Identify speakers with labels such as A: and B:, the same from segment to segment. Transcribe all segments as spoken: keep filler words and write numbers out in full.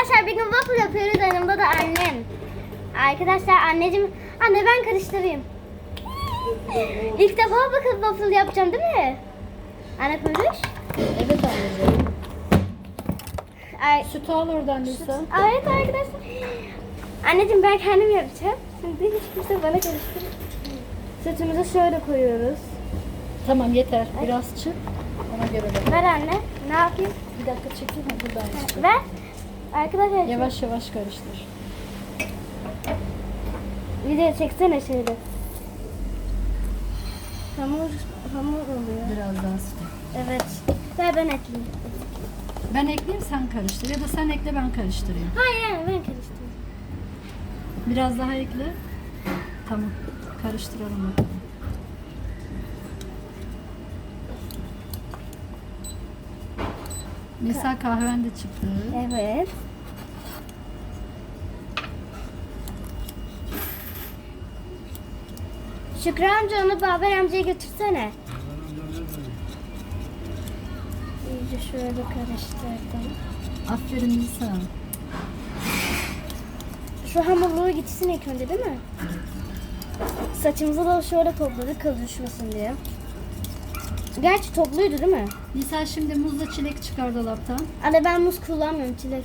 A: Arkadaşlar bir gün waffle yapıyoruz. Yanımda da annem. Arkadaşlar anneciğim, anne ben karıştırayım. İlk defa bakın waffle yapacağım değil mi? Anne konuş.
B: Evet anneciğim.
A: Ay,
B: Sütü al oradan Nisa.
A: evet arkadaşlar. Anneciğim ben kendim yapacağım. Şimdi hiç kimse bana karıştırır. Sütümüzü şöyle koyuyoruz.
B: Tamam yeter. Biraz çık. Ona göre de.
A: Ver anne. Ne yapayım?
B: Bir dakika çekeyim mi? Buradan çık.
A: Ver. Arkadaşlar
B: Yavaş yavaş karıştır.
A: video çeksene şöyle. Hamur, hamur oluyor.
B: Biraz daha süt.
A: Evet. Ver ben ekleyeyim.
B: Ben ekleyeyim sen karıştır. Ya da sen ekle ben karıştırayım.
A: Hayır hayır ben karıştırayım.
B: Biraz daha ekle. Tamam. Karıştıralım bakalım. Nisa kahven de çıktı.
A: Evet. Şükrü amca onu Baber amcaya götürsene. İyice şöyle karıştırdım.
B: Aferin Nisa.
A: Şu hamurluğu gitsin ilk önce değil mi? Saçımızı da şöyle topladık kıl düşmesin diye. Gerçi topluydu değil mi?
B: Nisa şimdi muzla çilek çıkar dolaptan.
A: Anne ben muz kullanmıyorum, çilek.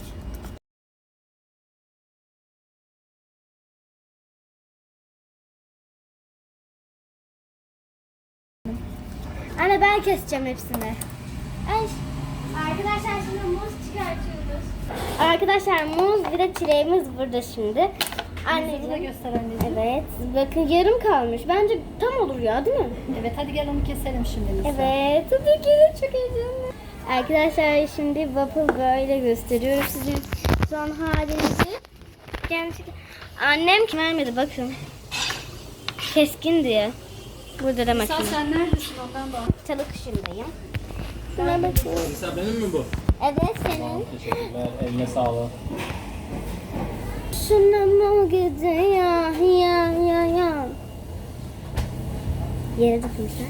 A: Anne ben keseceğim hepsini. Ay. Arkadaşlar şimdi muz çıkartıyoruz. Arkadaşlar muz bir de çileğimiz burada şimdi.
B: Muzu da
A: Anneciğim.
B: göster anneciğim.
A: Evet. Bakın yarım kalmış. Bence tam olur ya değil mi?
B: Evet hadi gel onu keselim şimdi Nisa.
A: Evet. Tabii ki de çok heyecanlı. Arkadaşlar şimdi waffle böyle gösteriyorum sizin son halinizi. Gerçekten annem kim vermedi bakın. Keskin diye. Burada da
B: Nisa
A: makine.
B: sen neredesin ondan bak.
A: Çalı kuşundayım. Şuna bakın.
C: Nisa benim mi bu?
A: Evet senin.
C: Teşekkürler. Eline sağlık.
A: Şuna mı gidiyor ya ya ya. Yere dokunmuşlar.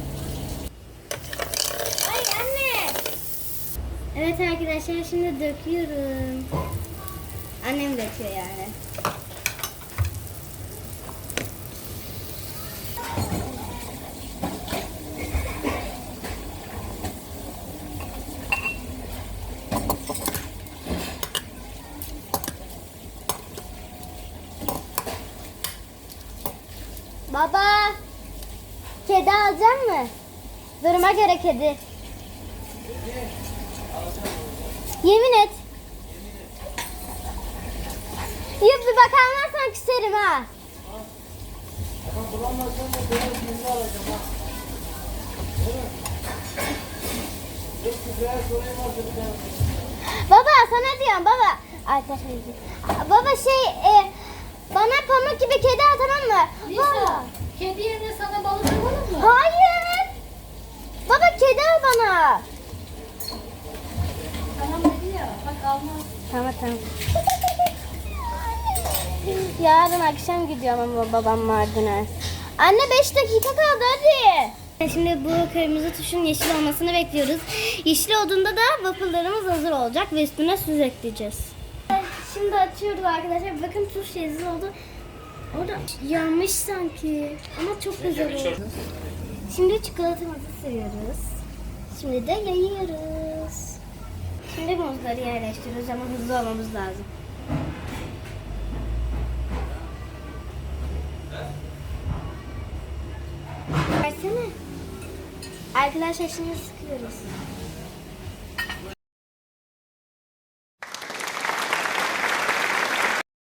A: Ay anne. Evet arkadaşlar şimdi döküyorum. Annem döküyor yani. Baba, kedi alacak mı? Duruma göre kedi. Yemin et. Ya bir bakar mısın küserim ha. Baba sana diyorum baba. Arkadaşlar. Baba şey e, bana pamuk gibi kedi al tamam mı?
B: Nisa
A: Baba.
B: kedi yerine sana balık alalım mı?
A: Hayır. Baba kedi al bana.
B: Tamam dedi ya. Bak almaz.
A: Tamam tamam. Yarın akşam gidiyorum ama babam Mardin'e. Anne beş dakika kaldı hadi. Şimdi bu kırmızı tuşun yeşil olmasını bekliyoruz. Yeşil olduğunda da waffle'larımız hazır olacak ve üstüne süz ekleyeceğiz. Şimdi açıyoruz arkadaşlar. Bakın tuş yeşil oldu. Orada yanmış sanki. Ama çok güzel oldu. Şimdi çikolatamızı sürüyoruz. Şimdi de yayıyoruz. Şimdi muzları yerleştiriyoruz ama hızlı olmamız lazım. Versene. Arkadaşlar şimdi sıkıyoruz.